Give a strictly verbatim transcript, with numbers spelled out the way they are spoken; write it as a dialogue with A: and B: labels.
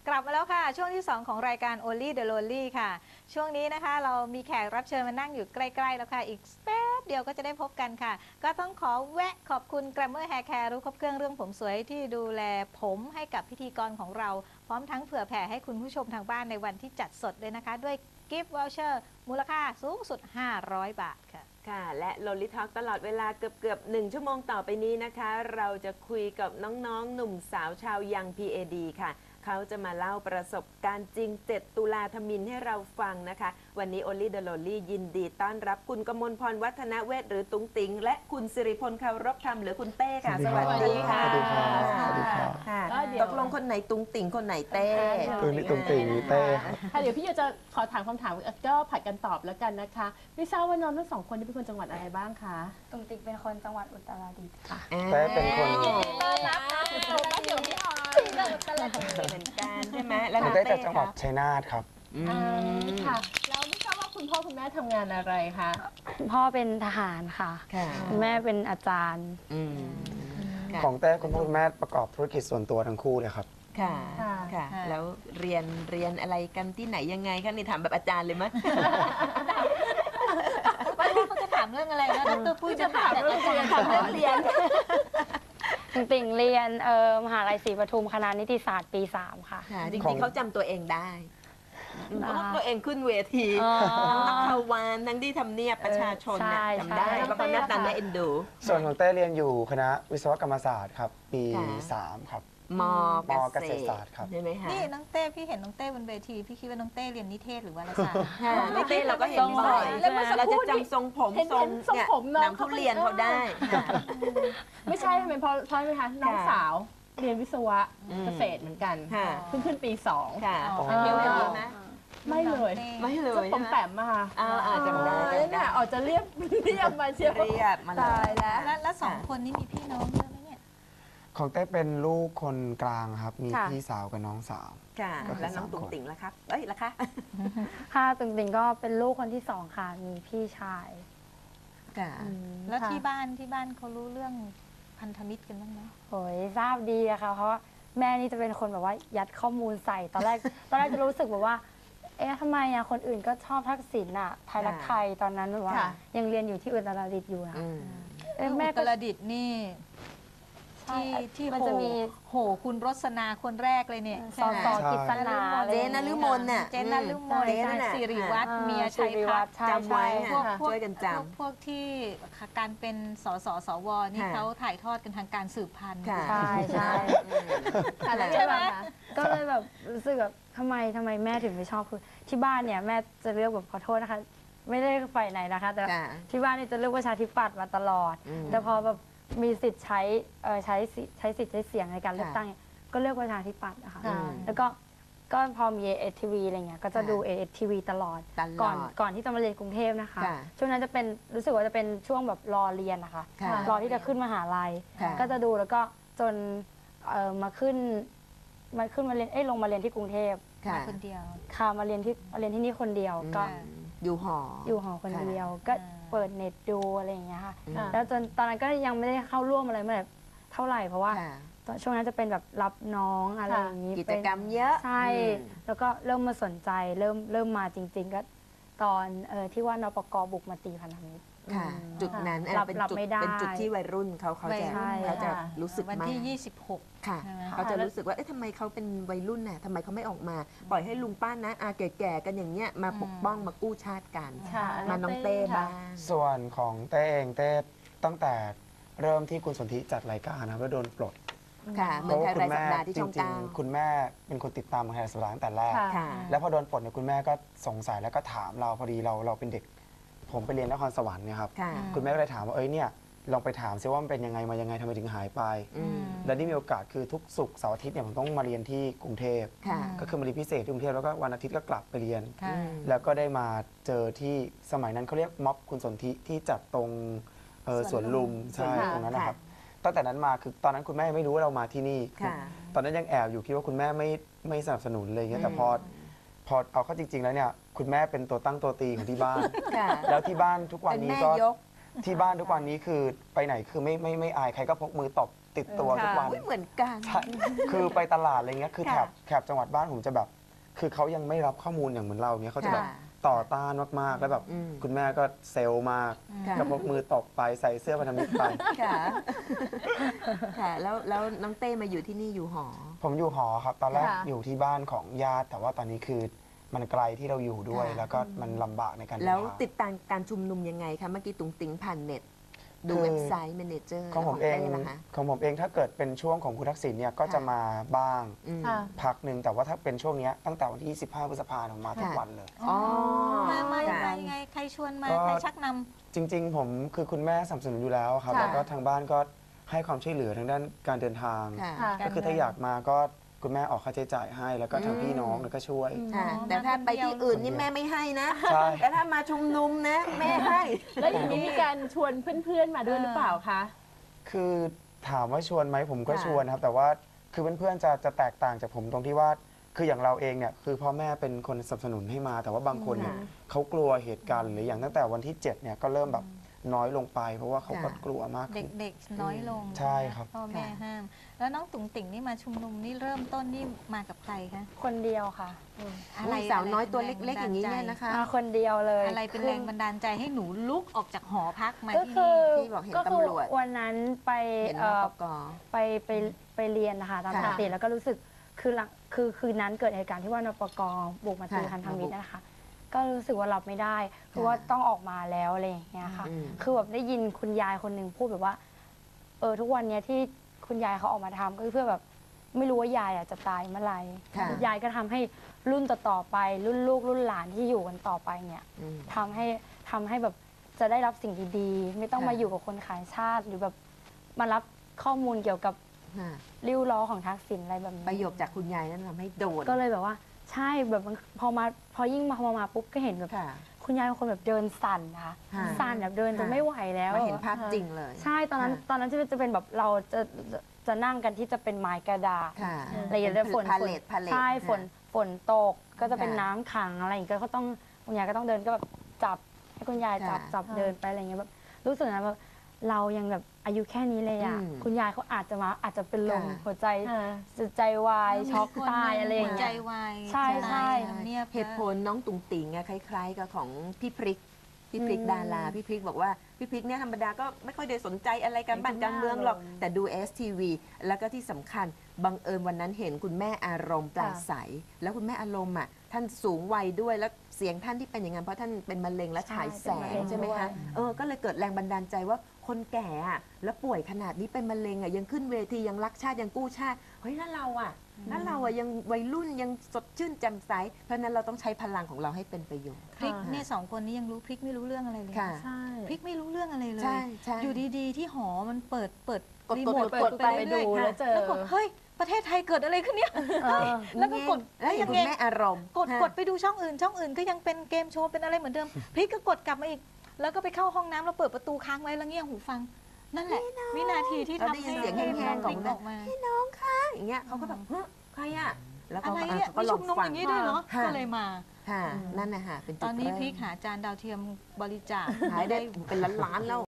A: กลับมาแล้วค่ะช่วงที่สองของรายการ Only the Lonely ค่ะช่วงนี้นะคะเรามีแขกรับเชิญมานั่งอยู่ใกล้ๆแล้วค่ะอีกแป๊บเดียวก็จะได้พบกันค่ะก็ต้องขอแวะขอบคุณ Glamour Hair Care รู้ครบเครื่องเรื่องผมสวยที่ดูแลผมให้กับพิธีกรของเราพร้อมทั้งเผื่อแผ่ให้คุณผู้ชมทางบ้านในวันที่จัดสดเลยนะคะด้วย Gift Voucher มูลค่าสูงสุดห้าร้อยบาทค่ะ
B: ค่ะและโลลิทอล์กตลอดเวลาเกือบเกือบหนึ่งชั่วโมงต่อไปนี้นะคะเราจะคุยกับน้องๆหนุ่มสาวชาวยัง พี เอ ดี ค่ะเขาจะมาเล่าประสบการณ์จริงเจ็ดตุลาธมินให้เราฟังนะคะวันนี้ Only the Lonely ยินดีต้อนรับคุณกมลพรวัฒนเวชหรือตุ้งติ๋งและคุณสิริพลเคารพธรรมหรือคุณเต้ค่ะสวัสดีค่ะ
C: สวัสดีค่ะสวัสดีค่ะ
B: ค่ะตกลงคนไหนตุ้งติ๋งคนไหนเต้
C: คือนี่ตุ้งติ๋งนี่เต้ครับ
D: ค่ะเดี๋ยวพี่จะขอถามคำถามก็ผัดกันตอบแล้วกันนะคะไม่ทราบว่าน้องทั้งสองคนเป็นคนจังหวัดอะไรบ้างคะ
E: ตุงติ๊กเป็นคนจังหวัดอุตรดิตถ์ค่ะ
C: เต้เป็นคน
A: ต้อนรับนะคุณผู้ชม
D: เดี๋ยวพี่ออย
B: เหมือนกันใช่ไหมแล้ว
C: ผม
B: น้อง
C: ได้
B: เต้
C: จากจังหวัดชัยนาทครับ
B: อื
D: อ่าม ค่ะแล้วไม่ทราบว่าคุณพ่อคุณแม่ทำงานอะไรคะ
E: พ่อเป็นทหารค่ะ
B: ค่ะ
E: คุณแม่เป็นอาจารย์
B: อืมค่ะ
C: ของเต้คุณพ่อคุณแม่ประกอบธุรกิจส่วนตัวทั้งคู่เลยครับ
B: ค่ะค่ะ แล้วเรียนเรียนอะไรกันที่ไหนยังไงคะนี่ถามแบบอาจารย์เลยมั้ย
A: ไม่รู้เขาจะถามเรื่องอะไรนะดรปุ้ยจะถามแต่อาจารย์
D: ถามเรื่องเรียน
E: ตุงติ่งเรียนเอ่อมหาลัยศรีปทุมคณะนิติศาสตร์ปีสามค่ะ
B: ค่ะจ
C: ขอ
B: ริ
C: ง
B: งๆเขาจำตัวเองได้เพราะว่าตัวเองขึ้นเวที
E: อ๋อ
B: ทั้งนักข่าววานทั้งที่ทำเนียบประชาชนเนี่ย
E: ใช่
B: จำได้
E: ใช่
B: เพราะเขาหน้าตาน่าเอ็นดู
C: ส่วนของเต้เรียนอยู่คณะวิศวกรรมศาสตร์ครับ ปี
B: ค่ะ
C: สามครับ
B: ม
C: มเกษตรศาสตร์ครับ
B: ใช่ไหมคะ
A: นี่น้องเต้พี่เห็นน้องเต้บนเวทีพี่คิดว่าน้องเต้เรียนนิเทศหรือวารสาร
B: ค่ะน้องเต้เราก็เห็นบ่อย
D: แล้วเมื่อสัก
B: เรา
D: ครู่
B: จะ
D: นี้
B: จำทรงผม
D: เห็น
B: ทรง
D: เห็นทรง
B: เนี่ย
D: ผมน้อง
B: หนังทุเรียนเขาได้ค่ะ
D: ไม่ใช่ทำไมเพราะเพราะไหมคะน้องสาวเรียนวิศวะ
B: อืม
D: เกษตรเหมือนกัน
B: ค่ะ
D: เพิ่งขึ้นปีสอง
B: ค่ะ
A: อ๋อ
B: เรียนแบบนี้ไหม
D: ไม่เลย
B: ไม่เลย
D: ผมแปมมาค่ะ
B: อ่าอ่าจำได้
D: อ๋อ
B: จำได้
D: เนี่ยออกจะเรียบเรียบมาเชียว
B: เรียบมาเล
D: ตาย
B: ย
D: แล้ว
A: แล้วแล้วสองคนนี้มีพี่น้องเยอะไหมเนี่ย
C: ของเต้เป็นลูกคนกลางครับ มี
E: ค่ะ
C: พี่สาวกับน้องสาว
B: ค่ะ
C: ก็คือ
B: แล้วน้อง
C: สาม
B: ตุ๋ง
C: คน
B: ติ๋งล่ะครับเอ้ยล่ะคะ
E: ค่ะตุงติ่งก็เป็นลูกคนที่สองค่ะ มีพี่ชาย
B: ค่ะ
E: อืม
A: แล้ว
E: ค่ะ
A: ที่บ้านที่บ้านเขารู้เรื่องพันธมิตรกันบ้างไหม
E: โอ้ยทราบดีอะค่ะเพราะว่าแม่นี่จะเป็นคนแบบว่ายัดข้อมูลใส่ตอนแรก ตอนแรกจะรู้สึกแบบว่า เอ๊ะทำไมอะคนอื่นก็ชอบทักษิณอะไทยรักไทยตอนนั้นแบบว่า
D: ค่ะ
E: ยังเรียนอยู่ที่อุตรดิตถ์อยู่นะ
B: อืม
E: เอ๊ะ
A: แม่
E: แม่
A: ก
E: ก็
A: ระดิษฐ์นี่
E: ใช่
A: ที่ที่
E: มัน
A: โห
E: จะมี
A: โหคุณรสนาคนแรกเลยเนี่ย
E: สอสอกิษณา
B: เจนนฤมลน่ะ
A: เจนนฤมล
B: เจนนั่นน่ะ
A: สิริวัฒน์
E: อ่า
A: เมียชัย
E: สิริ
A: พั
E: วั
A: ฒ
E: ฒน์
A: น์
E: ใช่
B: จำไว้
E: ใช่
B: ค่ะ
A: พวกพวก
B: ช่วยกันจำ
A: พวกพวกที่การเป็นสสสวนี่
B: ค่ะ
A: เขาถ่ายทอดกันทางการสืบพันธุ์
B: ค่ะ
E: ใช่ใช่
D: อะไร
A: ใช่ไหม
D: คะ
E: ก็เลยแบบรู้สึกแบบทำไมทำไมแม่ถึงไม่ชอบคือที่บ้านเนี่ยแม่จะเลือกแบบขอโทษนะคะ ไม่ได้ฝ่ายไหนนะคะ แต่
B: ค่ะ
E: ที่บ้านเนี่ยจะเลือกประชาธิปัตย์มาตลอด
B: อืม
E: แต่พอแบบมีสิทธิ์ใช้เอ่อใช้สิใช้สิทธิ์ใช้เสียงในการเลือก
B: ค่ะ
E: ตั้งเนี่ยก็เลือกประชาธิปัตย์นะคะ
B: อืม
E: แล้วก็ก็พอมีเอเอทีวีอะไรเงี้ยก็จะ
B: ค่ะ
E: ดูเอเอทีวีตลอด
B: ตลอด
E: ก่อนก่อนที่จะมาเรียนกรุงเทพนะคะ
B: ค่ะ
E: ช่วงนั้นจะเป็นรู้สึกว่าจะเป็นช่วงแบบรอเรียนนะคะ
B: ค่ะ
E: รอที่จะขึ้นมหาลัย
B: ค่ะ
E: ก็จะดูแล้วก็จนเอ่อมาขึ้นมาขึ้นมาเรียนเอ้ยลงมาเรียนที่กรุงเทพ
B: ค่ะ
A: มาคนเดียว
E: ค่ะมาเรียนที่มาเรียนที่นี่คนเดียวก็
B: อืมอยู่หอ
E: อยู่หอคน
B: ค่ะ
E: เดียว ก็
A: อ่า
E: เปิดเน็ตดูอะไรอย่างเงี้ยค่ะ
B: อืม
D: ค่ะ
E: แล้วจนตอนนั้นก็ยังไม่ได้เข้าร่วมอะไรเมื่อไหร่เท่าไหร่เพราะว่า
B: ค่ะ
E: ตอนช่วงนั้นจะเป็นแบบรับน้องอะไร
D: ค่ะ
E: อย่างงี้
B: กิจ
E: เป็น
B: กรรมเยอะ
E: ใช่
B: อืม
E: แล้วก็เริ่มมาสนใจเริ่มเริ่มมาจริง ๆ ก็ตอนเออที่ว่านปกบุกมาตีพันธมิตร
B: ค่ะ
E: อืม
B: จุดนั้น
E: รับ
B: เป็น
E: รับ
B: จุด
E: ไม่ได้
B: เป็นจุดที่วัยรุ่นเขาเขาจะ
A: วัยรุ่น
B: เขาจะ
D: ค่ะ
B: รู้สึก
A: วัน
B: มาก
A: ที่ ยี่สิบหก
B: ค่ะ
A: ใช่ไหม
B: เขาจะรู้สึกว่าเอ๊ะทำไมเขาเป็นวัยรุ่นน่ะทำไมเขาไม่ออกมา ปล่อยให้ลุงป้านะอาแก่ๆกันอย่างเงี้ยมาปกป้องมากู้ชาติกัน
D: ค่ะ
B: มาน้องเต้บ้าง
C: ส่วนของเต้เองเต้ตั้งแต่เริ่มที่คุณสนธิจัดรายการนะครับแล้วโดนปลด
B: ค่ะเมืองไทยรายสัปดาห์ที่
C: จ
B: ช่อง
C: ริง
B: เก้า
C: ๆคุณแม่เป็นคนติดตามเมืองไทยรายสัปดาห์ตั้งแต่แรก
D: ค่ะ
B: ค่ะ
C: แล้วพอโดนปลดเนี่ยคุณแม่ก็สงสัยแล้วก็ถามเราพอดีเราเราเป็นเด็ก ผมไปเรียนนครสวรรค์เนี่ยครับ
B: ค่ะ
C: คุณแม่ก็เลยถามว่าเอ้ยเนี่ยลองไปถามซิว่ามันเป็นยังไงมายังไงทำไมถึงหายไป
B: อืม
C: และนี่มีโอกาสคือทุกศุกร์เสาร์อาทิตย์เนี่ยผมต้องมาเรียนที่กรุงเทพ
B: ค่ะ
C: ก็คือมาเรียนพิเศษที่กรุงเทพแล้วก็วันอาทิตย์ก็กลับไปเรียน
A: ค่ะ
B: อืม
C: แล้วก็ได้มาเจอที่สมัยนั้นเขาเรียกม็อบคุณสนธิที่จัดตรงเอ่อ
A: ส
C: ส
A: ว
C: วน น
A: ลุ
C: ลุ
A: ม
C: ม
B: สวน
C: ใช่
B: ลุม
C: ตรงนั้นนะครับ
B: ค่ะ
C: ตั้งแต่นั้นมาคือตอนนั้นคุณแม่ไม่รู้ว่าเรามาที่นี่
B: ค่ะ
C: ตอนนั้นยังแอบอยู่คิดว่าคุณแม่ไม่ไม่สนับสนุนเลยางเงี้ยแต่
B: อืม
C: พอพอเอาเข้าจริง ๆ แล้วเนี่ยคุณแม่เป็นตัวตั้งตัวตีของที่บ้าน
B: ค่ะ
C: แล้วที่บ้านทุกวัน
B: เป็น
C: นี้
B: แม่
C: ก็
B: ยก
C: ที่บ้านทุกวันนี้คือไปไหนคือไม่ไม่ไม่อายใครก็พกมือตบติดตัวทุกวัน
B: อุ๊ยเหมือนกัน
C: ใช่คือไปตลาดอะไรเงี้ยคือแถ
B: ค่ะ
C: บแถบจังหวัดบ้านผมจะแบบ คือเขายังไม่รับข้อมูลอย่างเหมือนเราเงี้ยเขาจะแบบ
B: ค่ะ
C: ต่อต้านมากๆแล้วแบบ
B: อืม
C: คุณแม่ก็เซลล์มาก
B: ค่ะ
C: ก็พกมือตบไปใส่เสื้อพันธมิตรไป
B: ค่ะ ค่ะ แล้วแล้วน้องเต้มาอยู่ที่นี่อยู่หอ
C: ผมอยู่หอครับ ตอนแรก
D: ค่ะ
C: อยู่ที่บ้านของญาติ แต่ว่าตอนนี้คือมันไกลที่เราอยู่ด้วย
B: ค่ะ
C: แล้วก็มันลำบากในการเดิน
B: แล้ว
C: ทาง
B: ติดตามการชุมนุมยังไงคะเมื่อกี้ตุงติงผ่านเน็ต ดู
C: คือ
B: เว็บไซต์ Manager
C: ของผมเอง
B: ต้นะคะ
C: ของผมเองถ้าเกิดเป็นช่วงของคุณทักษิณเนี่ยก็จะ
B: ค่ะ
C: มาบ้าง
B: อืม
D: ค่ะ
C: พักหนึ่งแต่ว่าถ้าเป็นช่วงเนี้ยตั้งแต่วันที่ยี่สิบห้าพฤษภาคมผมมาทุก
B: ค่ะ
C: วันเลย
B: อ๋อ
A: มามา
B: ค่ะ
A: มายังไงใครชวนมา
C: ก็
A: ใครชักนำ
C: จริง ๆ ผมคือคุณแม่สนับสนุนอยู่แล้วครับ
D: ค่ะ
C: แล้วก็ทางบ้านก็ให้ความช่วยเหลือทางด้านการเดินทาง
B: ค่ะ
D: ค่ะ
C: ก็คือถ้าอยากมาก็คุณแม่ออกค่าใช้จ่ายให้ แล้วก็ทางพี่น้องเนี่ยก็ช่วย
B: ค่ะ
A: อ๋อ
B: แต่ถ้าไปที่อื่นนี่
C: คนเดียว
B: แม่ไม่ให้นะ
C: ใช่
B: แต่ถ้ามาชุมนุมนะ แม่ให้
D: แล้วอย่างนี้มีการชวนเพื่อนๆมาด้วยหรือเปล่าคะ
C: คือถามว่าชวนไหมผมก็
B: ค่ะ
C: ชวนครับ แต่ว่าคือเพื่อนๆจะจะแตกต่างจากผมตรงที่ว่าคืออย่างเราเองเนี่ยคือพ่อแม่เป็นคนสนับสนุนให้มา แต่ว่าบางคนเนี่ย
B: ค่ะ
C: เขากลัวเหตุการณ์หรืออย่างตั้งแต่วันที่เจ็ดเนี่ยก็เริ่มแบบน้อยลงไป เพราะว่าเขาก็
B: ค่ะ
C: กลัวมากขึ้น
A: เด็กๆ น้อยลง
C: ใช่ครับ
A: พ่อแม่
B: ค่ะ
A: ห้าม แล้วน้องตุ๋งติ่งนี่มาชุมนุมนี่เริ่มต้นนี่มากับใครคะ
E: คนเดียวค่ะ
A: อะไร
B: สาวน้อยตัว
A: ะไร
B: เล็กๆ อย่างนี้เนี่ยนะคะ
E: มาคนเดียวเลย
A: อะไรเป็นแรงบันดาลใจให้หนูลุกออกจากหอพักมา
E: ก็
A: ที่
E: คื
A: นี่
E: อ
B: ที่บอกเห็น
E: ก็คือ
B: ตำรวจ
E: วันนั้นไป
B: เห็นน
E: เอ่อ
B: ปก
E: ไปไปไปเรียนนะคะตามป
B: ค่ะ
E: กติแล้วก็รู้สึกคือหลังคือคืนนั้นเกิดเหตุการณ์ที่ว่านปกบุกมาตี
B: ค่ะ
E: พันธมิตร
B: มาบุก
E: นะคะ ก็รู้สึกว่ารับไม่ได้คือว่าต้องออกมาแล้วอะไรอย่างเงี้ยค่ะ
B: อืม
E: คือแบบได้ยินคุณยายคนหนึ่งพูดแบบว่า เออทุกวันเนี้ยที่คุณยายเขาออกมาทำก็เพื่อแบบไม่รู้ว่ายายอะจะตายเมื่อไหร่
B: ค่ะ
E: ยายก็ทำให้รุ่นต่อๆไปรุ่นลูกรุ่นหลานที่อยู่กันต่อไปเนี่ย
B: อืม
E: ทำให้ทำให้แบบจะได้รับสิ่งดีๆ ไม่ต้อง
B: ค่ะ
E: มาอยู่กับคนขายชาติ หรือแบบมารับข้อมูลเกี่ยวกับ
B: ค่ะ
E: ริ้วล้อของทักษิณอะไรแบบนี้
B: ประโยคจากคุณยายนั้นทำให้โดน
E: ก็เลยแบบว่าใช่แบบมันพอมาพอยิ่งมาพอมาปุ๊บก็เห็นแบบ
B: ค่ะ
E: คุณยายเป็นคนแบบเดินสั่นนะคะ
B: ค่ะ
E: สั่นแบบเดินจน
B: ค่ะ
E: ไม่ไหวแล้ว
B: มาเห็นภาพจริงเลย
E: ใช่ตอนนั้น
B: ค่ะ
E: ตอนนั้นจะจะเป็นแบบเราจะจะจะนั่งกันที่จะเป็นไม้กระดาษ
B: ค่ะ
E: อะไรอย่างเงี้ยฝน
B: พา
E: ฝ
B: เล
E: น
B: ทพาเลท
E: ใช่ฝนฝนตกก็จะเป็น
B: ค่ะ
E: น้ำขังอะไรอย่างเงี้ยก็ต้องคุณยายก็ต้องเดินก็แบบจับให้คุณยายจับ
B: ค่ะ
E: จับเดินไปอะไรอย่างเงี้ยแบบรู้สึกนะแบบเรายังแบบอายุแค่นี้เลยอ่ะ
B: อืม
E: คุณยายเขาอาจจะมาอาจจะเป็นลม
B: ค่ะ
E: หัวใจใจวายช็อกตายอะไรอย่าง
A: หัวใจ
E: เงี้ย
A: วาย
E: ใช่ใช่
A: ตายทำเนียบ
B: เหตุผลน้องตุงติงอะคล้ายๆ กับของพี่พริก พี่พริก
E: อืม
B: ดาราพี่พริกบอกว่าพี่พริกเนี่ยธรรมดาก็ไม่ค่อยได้สนใจอะไรกันบ้านการเมืองหรอก แต่ดู เอส ที วี แล้วก็ที่สำคัญบังเอิญวันนั้นเห็นคุณแม่อารมณ์ปราศัย แล้วคุณแม่อารมณ์อ่ะท่านสูงวัยด้วยแล้วเสียงท่านที่เป็นอย่างนั้นเพราะท่านเป็นมะเร็งและฉายแสงใช่ไหมคะเออก็เลยเกิดแรงบันดาลใจว่าคนแก่อะแล้วป่วยขนาดนี้เป็นมะเร็งอ่ะยังขึ้นเวทียังรักชาติยังกู้ชาติเฮ้ยแล้วเราอ่ะแล้วเราอ่ะยังวัยรุ่นยังสดชื่นแจ่มใสเพราะฉะนั้นเราต้องใช้พลังของเราให้เป็นประโยชน์
A: พริกเนี่ยสองคนนี้ยังรู้พริกไม่รู้เรื่องอะไรเลย
B: ค่ะ
D: ใช่
A: พริกไม่รู้เรื่องอะไรเลย
B: ใช่ใช่
A: อยู่ดีๆ ที่หอมันเปิดเปิด
B: กด
A: รี
B: กด
A: โมท
B: กด
A: เปิด
B: ไป
A: ไป
D: ดู
A: เรื่อยๆ
D: แล้วเจอ
A: แล้วกดเฮ้ยประเทศไทยเกิดอะไรขึ้นเนี่ย
E: เออ
A: แล้วก็กด
B: แล้วอย่าง
A: ยั
B: คุ
A: ง
B: ณ
A: ไง
B: แม่อารมณ์
A: กดกดไปดูช่องอื่น ช่องอื่นก็ยังเป็นเกมโชว์เป็นอะไรเหมือนเดิม พริกก็กดกลับมาอีก แล้วก็ไปเข้าห้องน้ำแล้วเปิดประตูค้างไว้แล้วเงี่ยหูฟัง นั่นแหละ วินาทีที่
B: เรา
A: ทำ
B: ได้ยิ
A: ให้
B: นเสียง
A: ให้
B: แห้งๆ
A: พริก
B: ของ
A: ออกมา
B: พี่น้องคะอย่างเงี้ยเขาก็แบบเฮ้ยใครอะแล้ว
A: อะ
B: เขา
A: ไร
B: ก็
A: เนี่ย
B: เขาก็
A: มี
B: ลอ
A: ชุ
B: ง
A: มนุม
B: ฟั
A: อง ย่างนี้ด้วยเหรอ
B: ค่ะ
A: ก็เลยมา
B: ค่ะนั่นนะฮะเป็นจุด
A: ตอนนี้
B: เริ่ม
A: พริกหาจานดาวเทียมบริจาค
B: ขายได้เป็นล้านๆแล้ว